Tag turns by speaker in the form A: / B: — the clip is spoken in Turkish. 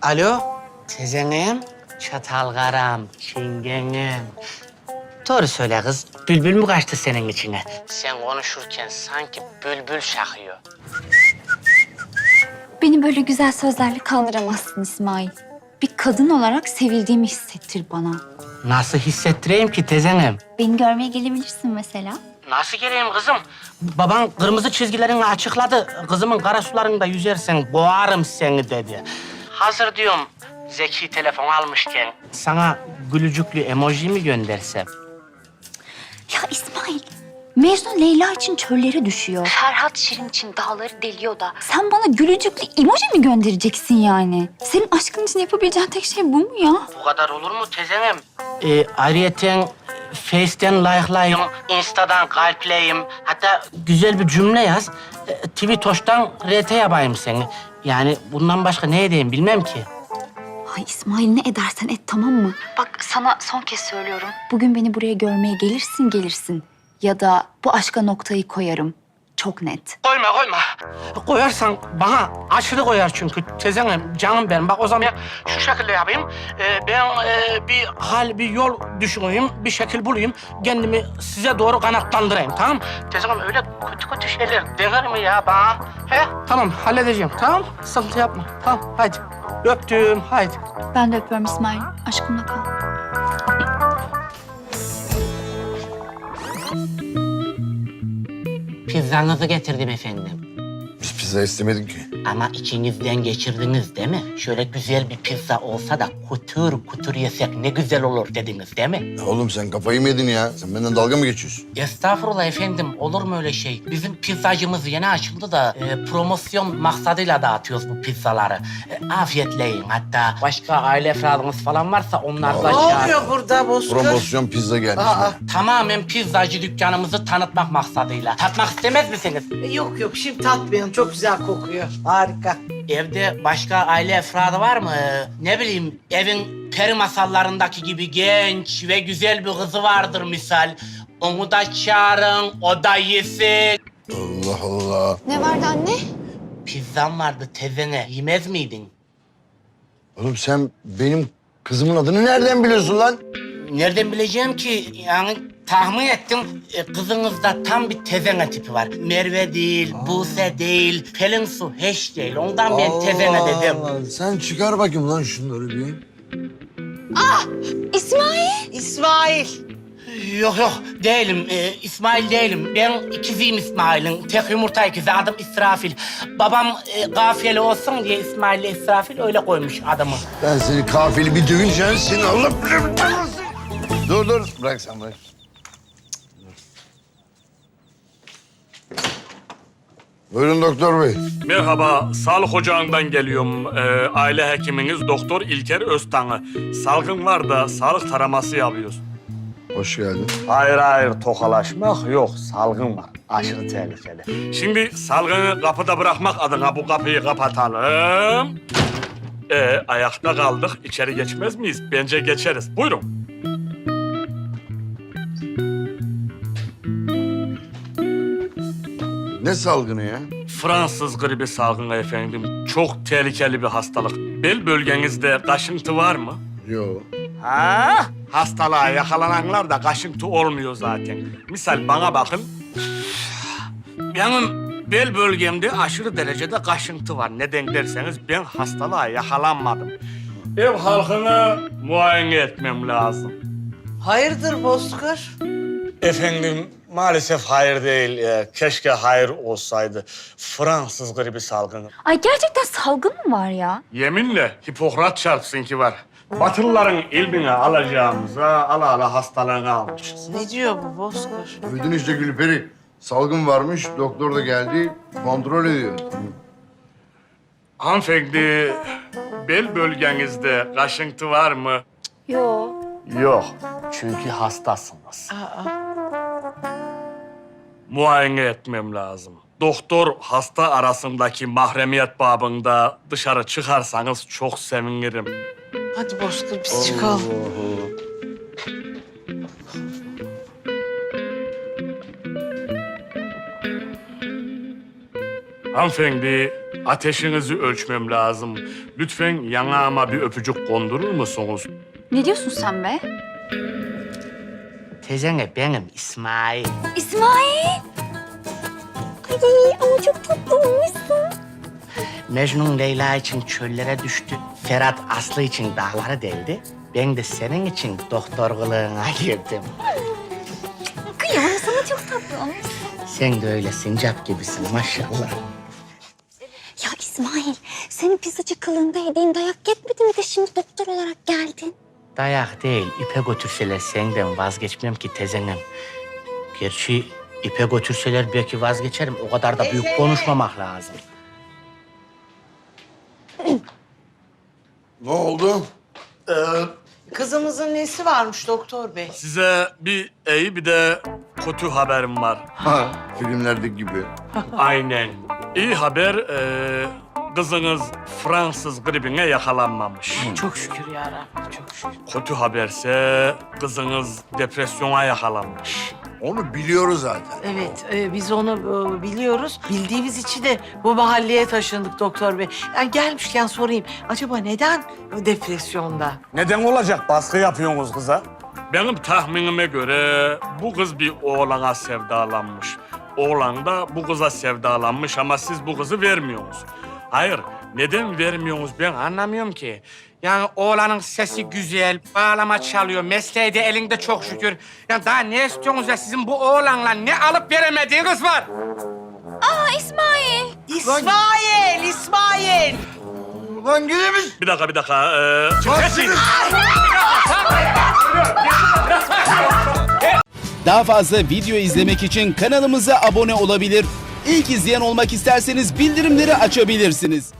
A: Alo, tezenim, çatalgaram, çingenim. Doğru söyle kız, bülbül mü kaçtı senin içine? Sen konuşurken sanki bülbül şakıyor.
B: Beni böyle güzel sözlerle kandıramazsın İsmail. Bir kadın olarak sevildiğimi hissettir bana.
A: Nasıl hissettireyim ki tezenim?
B: Beni görmeye gelebilirsin mesela.
A: Nasıl geleyim kızım? Baban kırmızı çizgilerini açıkladı. Kızımın kara sularında yüzersen boğarım seni dedi. Hazır diyorum zeki telefon almışken sana gülücüklü emoji mi göndersem?
B: Ya İsmail, Mecnun Leyla için çöllere düşüyor. Ferhat Şirin için dağları deliyor da. Sen bana gülücüklü emoji mi göndereceksin yani? Senin aşkın için yapabileceğin tek şey bu mu ya?
A: Bu kadar olur mu tezenim? Ayrıyeten Face'ten like'layım, Insta'dan kalpleyim. Hatta güzel bir cümle yaz. Twitoş'tan RT yapayım seni. Yani bundan başka ne edeyim bilmem ki.
B: Ay İsmail ne edersen et tamam mı? Bak sana son kez söylüyorum. Bugün beni buraya görmeye gelirsin. Ya da bu aşka noktayı koyarım. Çok net.
A: Koyma. Koyarsan bana aşırı koyar çünkü tezenim, canım benim. Bak o zaman şu şekilde yapayım. Ben bir yol düşüneyim, bir şekil bulayım. Kendimi size doğru kanatlandırayım, tamam mı? Tezenim öyle kötü şeyler denir mi ya bana? He? Tamam, halledeceğim, tamam? Sıkıntı yapma, tamam, haydi. Öptüm, haydi.
B: Ben de öpüyorum İsmail. Aşkımla kal.
A: Pizzanızı getirdim efendim.
C: Biz pizza istemedik ki.
A: Ama içinizden geçirdiniz değil mi? Şöyle güzel bir pizza olsa da kutur yesek ne güzel olur dediniz değil mi?
C: Ya oğlum sen kafayı mı yedin ya? Sen benden dalga mı geçiyorsun?
A: Estağfurullah efendim, olur mu öyle şey? Bizim pizzacımız yeni açıldı da promosyon maksadıyla dağıtıyoruz bu pizzaları. Afiyetle yiyin. Hatta başka aile efradınız falan varsa onlar da
D: Ne oluyor burada Bozkır?
C: Promosyon pizza gelmiş.
A: Tamamen pizzacı dükkanımızı tanıtmak maksadıyla. Tatmak istemez misiniz?
D: Yok şimdi tatmayalım. Çok güzel kokuyor. Harika.
A: Evde başka aile efradı var mı? Ne bileyim, evin peri masallarındaki gibi genç ve güzel bir kızı vardır misal. Onu da çağırın, o da yesin.
C: Allah Allah.
B: Ne vardı anne?
A: Pizzam vardı tezene, yemez miydin?
C: Oğlum sen benim kızımın adını nereden biliyorsun lan?
A: Nereden bileceğim ki? Yani tahmin ettim. Kızınızda tam bir tezene tipi var. Merve değil, Buse değil, Pelin Su hiç değil. Ondan ben tezene dedim.
C: Allah. Sen çıkar bakayım lan şunları bir.
B: İsmail!
D: İsmail.
A: Yok değilim. İsmail değilim. Ben ikiziyim İsmail'in. Tek yumurta ikizi. Adım İsrafil. Babam kafiyeli olsun diye İsmail'le İsrafil öyle koymuş adımı.
C: Ben seni kafili bir dövünce seni alıp... Dur. Bırak sen bırak. Buyurun doktor bey.
E: Merhaba, sağlık ocağından geliyorum. Aile hekiminiz Doktor İlker Öztan'ı. Salgın var da sağlık taraması yapıyoruz.
C: Hoş geldin.
E: Hayır, tokalaşmak yok. Salgın var. Aşırı tehlikeli. Şimdi salgını kapıda bırakmak adına bu kapıyı kapatalım. Ayakta kaldık. İçeri geçmez miyiz? Bence geçeriz. Buyurun.
C: Ne salgını ya?
E: Fransız gribi salgını efendim. Çok tehlikeli bir hastalık. Bel bölgenizde kaşıntı var mı?
C: Yok.
E: Ha? Hastalığa yakalananlar da kaşıntı olmuyor zaten. Misal bana bakın. Benim bel bölgemde aşırı derecede kaşıntı var. Neden derseniz ben hastalığa yakalanmadım. Ev halkını muayene etmem lazım.
D: Hayırdır Bozkır?
E: Efendim maalesef hayır değil. Keşke hayır olsaydı. Fransız gribi salgını.
B: Ay gerçekten salgın mı var ya?
E: Yeminle Hipokrat çarpsın ki var. Batılıların ilmini alacağımıza ala hastalığını almışız.
D: Ne diyor bu Bozkır?
C: Duydun işte Gülperi. Salgın varmış, doktor da geldi, kontrol ediyor.
E: Hanımefendi, bel bölgenizde kaşıntı var mı?
B: Yok.
E: Yok, çünkü hastasınız. Muayene etmem lazım. Doktor hasta arasındaki mahremiyet babında dışarı çıkarsanız çok sevinirim.
D: Hadi Bozkır biz çıkalım.
E: Hanımefendi, ateşinizi ölçmem lazım. Lütfen yanağıma bir öpücük kondurur musunuz?
B: Ne diyorsun sen be?
A: Teyzene benim İsmail.
B: İsmail! Ay ama çok tatlı olmuşsun.
A: Mecnun Leyla için çöllere düştü. Ferhat Aslı için dağları deldi. Ben de senin için doktor kılığına girdim.
B: Kıyamam sana, çok tatlı olmuşsun.
A: Sen de öyle sincap gibisin maşallah.
B: Ya İsmail, senin pizzacı kılığında yediğin dayak yetmedi mi de şimdi doktor olarak geldin?
A: Dayak değil, ipe götürseler senden vazgeçmem ki tezenem. Gerçi ipe götürseler belki vazgeçerim. O kadar da büyük konuşmamak lazım.
C: Ne oldu?
D: Kızımızın nesi varmış doktor bey?
E: Size bir iyi bir de kötü haberim var.
C: Ha, filmlerdeki gibi.
E: Aynen. İyi haber, kızınız Fransız gribine yakalanmamış.
D: Çok şükür ya Rabbi, çok şükür.
E: Kötü haberse kızınız depresyona yakalanmış.
C: Onu biliyoruz zaten.
D: Evet, biz onu biliyoruz. Bildiğimiz için de bu mahalleye taşındık doktor bey. Yani gelmişken sorayım, acaba neden depresyonda?
E: Neden olacak? Baskı yapıyorsunuz kıza. Benim tahminime göre bu kız bir oğlana sevdalanmış. Oğlan da bu kıza sevdalanmış ama siz bu kızı vermiyorsunuz. Hayır, neden vermiyorsunuz ben anlamıyorum ki.
A: Yani oğlanın sesi güzel, bağlama çalıyor, mesleği de elinde çok şükür. Ya daha ne istiyorsunuz ya? Sizin bu oğlanla ne alıp veremediğiniz var?
B: Aa İsmail!
D: İsmail, İsmail!
C: Ulan gidemiş.
E: Bir dakika. Çıkın.
F: Daha fazla video izlemek için kanalımıza abone olabilir. İlk izleyen olmak isterseniz bildirimleri açabilirsiniz.